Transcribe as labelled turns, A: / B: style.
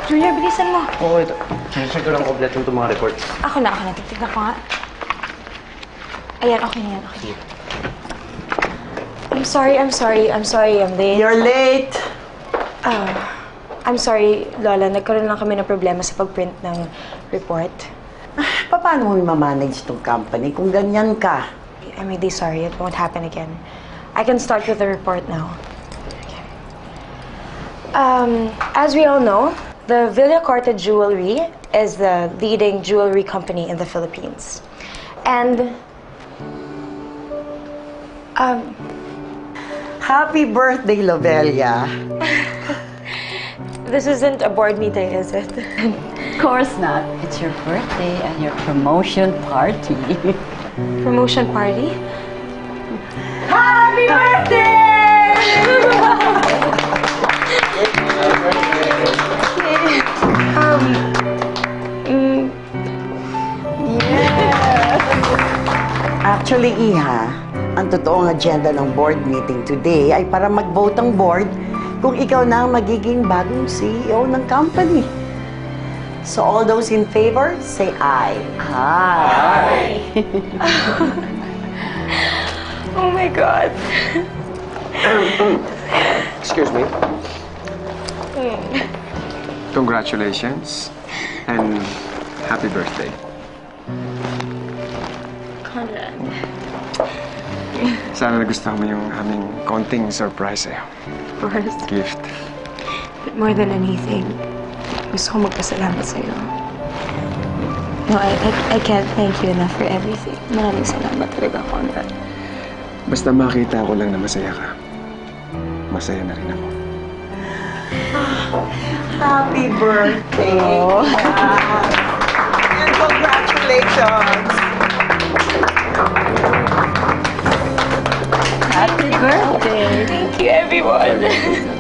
A: Junior, bilisan mo.
B: Oo, ito. Check ko lang kompleto itong mga reports.
A: Ako na. Titignan ko nga. Ayan, okay na yan. Okay. I'm sorry, I'm late.
C: You're late.
A: I'm sorry, Lola. Nagkaroon lang kami ng problema sa pag-print ng report.
C: Paano mo mamanage itong company kung ganyan ka?
A: I'm really sorry. It won't happen again. I can start with the report now. Okay. As we all know, the Villacorta Jewelry is the leading jewelry company in the Philippines. And,
C: Happy birthday, Lovelia.
A: this isn't a board meeting, is it?
D: Of course not. It's your birthday and your promotion party.
A: Promotion party?
C: Happy birthday! Actually, Iha, ang totoong agenda ng board meeting today ay para mag-vote ang board kung ikaw na ang magiging bagong CEO ng company. So all those in favor, say aye.
D: Hi.
A: Oh my God.
E: Excuse me. Congratulations and happy birthday.
A: Conrad.
E: Sana nagustuhan mo yung aming konting surprise sa'yo.
A: Of course.
E: Gift.
A: But more than anything, gusto ko magpasalamat sa'yo. No, I can't thank you enough for everything. Maraming salamat talaga, Conrad.
E: Basta makita ko lang na masaya ka. Masaya na rin ako.
C: Happy birthday! And congratulations!
D: Happy birthday.
A: Thank you, everyone.